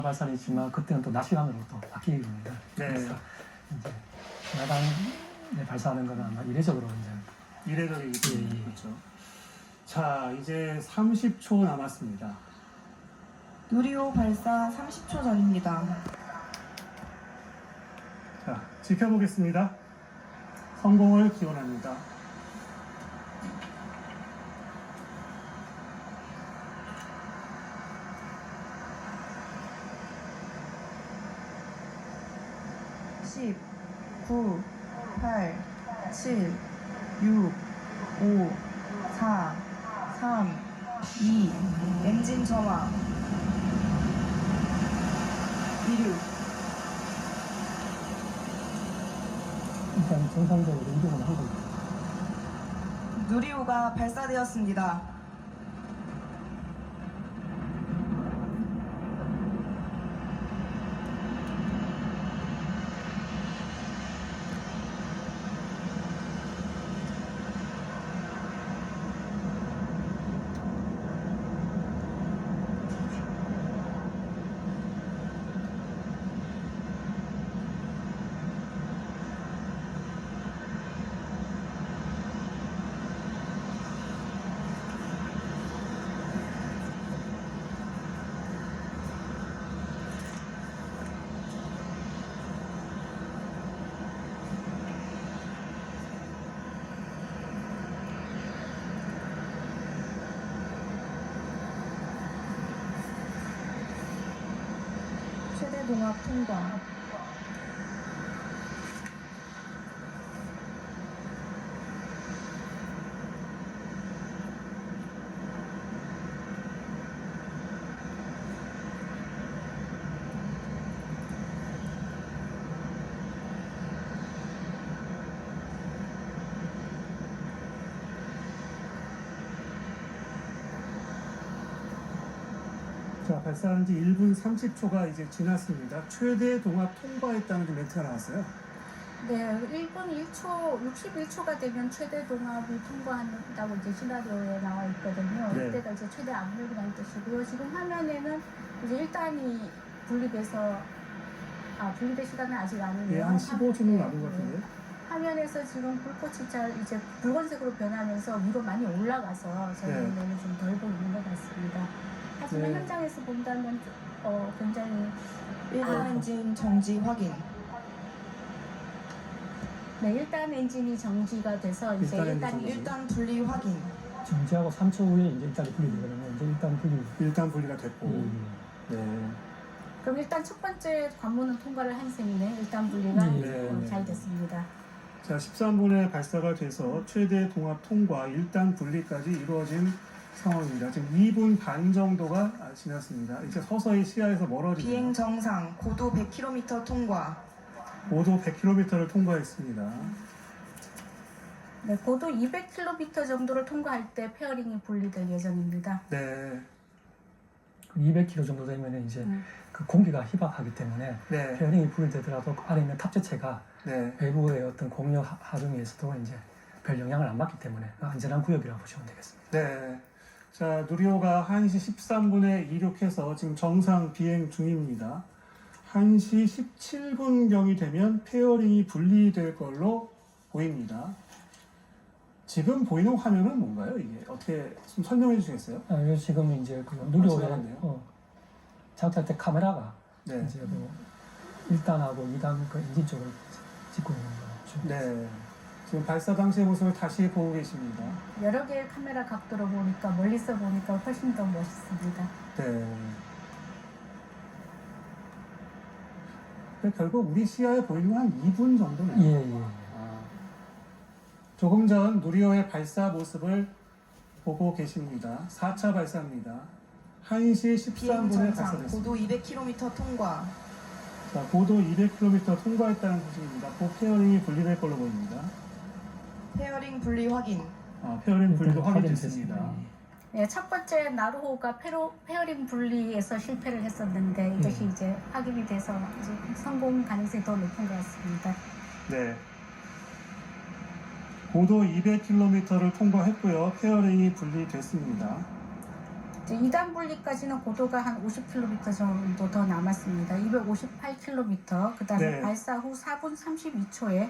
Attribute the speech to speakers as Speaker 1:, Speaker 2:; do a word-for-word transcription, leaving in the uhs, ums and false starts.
Speaker 1: 발사이지만 그때는 또 낮 시간으로 또 바뀌게 됩니다.
Speaker 2: 네.
Speaker 1: 그래서 이제 야간에 발사하는 거는 아마 이례적으로 이제
Speaker 2: 이례적이기 때문에
Speaker 1: 예, 예.
Speaker 2: 그렇죠. 자, 이제 삼십 초 남았습니다.
Speaker 3: 누리호 발사 삼십 초 전입니다.
Speaker 2: 자, 지켜보겠습니다. 성공을 기원합니다.
Speaker 3: 십, 구, 팔, 칠, 육, 오, 사, 삼, 이, 엔진 점화. 이륙.
Speaker 1: 일단 정상적으로 이동을 하고 있습니다.
Speaker 3: 누리호가 발사되었습니다. 최대 동압 통과.
Speaker 2: 자, 발사한 지 일 분 삼십 초가 이제 지났습니다. 최대 동압 통과했다는 멘트가 나왔어요.
Speaker 4: 네, 일 분 일 초, 육십일 초가 되면 최대 동압이 통과한다고 이제 시나리오에 나와 있거든요.
Speaker 2: 네.
Speaker 4: 이때가 이제 최대 압력이라는 뜻이고요. 지금 화면에는 이제 일 단이 분리돼서, 아, 분리될 시간은 아직 아니네요.
Speaker 2: 예, 한 십오 초 정도 남은 것
Speaker 4: 네.
Speaker 2: 같은데.
Speaker 4: 화면에서 지금 불꽃이 잘 이제 붉은색으로 변하면서 위로 많이 올라가서 저희
Speaker 2: 네.
Speaker 4: 눈에는 좀 덜 보이는 것 같습니다. 하지만
Speaker 2: 네.
Speaker 4: 현장에서 본다면 어, 굉장히
Speaker 3: 일 단
Speaker 4: 아,
Speaker 3: 엔진 정지 확인.
Speaker 4: 네, 일 단 엔진이 정지가 돼서 이제
Speaker 2: 일 단
Speaker 4: 일 단이
Speaker 2: 엔진
Speaker 3: 일 단 분리 확인.
Speaker 1: 정지하고 삼 초 후에 이제 일단이 분리되거든요. 이제 일단 분리.
Speaker 2: 일단 분리가 됐고.
Speaker 1: 음.
Speaker 2: 네.
Speaker 4: 그럼 일단 첫 번째 관문은 통과를 한 셈이네. 일단 분리가
Speaker 1: 네,
Speaker 4: 어,
Speaker 2: 네.
Speaker 4: 잘 됐습니다.
Speaker 2: 자, 십삼 분에 발사가 돼서 최대 동압 통과 일 단 분리까지 이루어진 상황입니다. 지금 이 분 반 정도가 지났습니다. 이제 서서히 시야에서 멀어지고
Speaker 3: 비행 정상. 고도 백 킬로미터 통과.
Speaker 2: 고도 백 킬로미터를 통과했습니다.
Speaker 4: 네, 고도 이백 킬로미터 정도를 통과할 때 페어링이 분리될 예정입니다.
Speaker 2: 네.
Speaker 1: 이백 킬로미터 정도 되면 이제
Speaker 4: 음.
Speaker 1: 그 공기가 희박하기 때문에
Speaker 2: 네.
Speaker 1: 페어링이 분리되더라도 그 안에 있는 탑재체가
Speaker 2: 네.
Speaker 1: 외부의 어떤 공력 하- 하중에서도 이제 별 영향을 안 받기 때문에 안전한 구역이라고 보시면 되겠습니다.
Speaker 2: 네. 자, 누리호가 한 시 십삼 분에 이륙해서 지금 정상 비행 중입니다. 한 시 십칠 분경이 되면 페어링이 분리될 걸로 보입니다. 지금 보이는 화면은 뭔가요? 이게 어떻게 좀 설명해 주시겠어요?
Speaker 1: 아, 이거 지금 이제 그 누리호에
Speaker 2: 지나갔네요.
Speaker 1: 어, 작업할 때 카메라가
Speaker 2: 네.
Speaker 1: 이제 그 일 단하고 이 단 그 엔진 쪽을 찍고 있는 거죠.
Speaker 2: 네. 지금 발사 당시의 모습을 다시 보고 계십니다.
Speaker 4: 여러 개의 카메라 각도로 보니까 멀리서 보니까 훨씬 더 멋있습니다.
Speaker 2: 네. 근데 결국 우리 시야에 보이는 건 한 이 분 정도네요.
Speaker 1: 예, 예.
Speaker 2: 아, 조금 전 누리호의 발사 모습을 보고 계십니다. 사 차 발사입니다. 한 시 십삼
Speaker 3: 비행
Speaker 2: 분에
Speaker 3: 정상.
Speaker 2: 발사됐습니다.
Speaker 3: 고도 이백 킬로미터 통과.
Speaker 2: 자, 고도 이백 킬로미터 통과했다는 소식입니다. 곧 페어링이 분리될 걸로 보입니다.
Speaker 3: 페어링 분리 확인.
Speaker 2: 아, 페어링 분리도
Speaker 1: 일단
Speaker 2: 확인됐습니다.
Speaker 1: 확인됐습니다.
Speaker 4: 네, 첫 번째 나루호가 페로, 페어링 분리에서 실패를 했었는데 이것이
Speaker 1: 음.
Speaker 4: 이제 확인이 돼서 이제 성공 가능성이 더 높은 것 같습니다.
Speaker 2: 네. 고도 이백 킬로미터를 통과했고요. 페어링이 분리됐습니다.
Speaker 4: 이제 이 단 분리까지는 고도가 한 오십 킬로미터 정도 더 남았습니다. 이백오십팔 킬로미터. 그다음에
Speaker 2: 네.
Speaker 4: 발사 후 사 분 삼십이 초에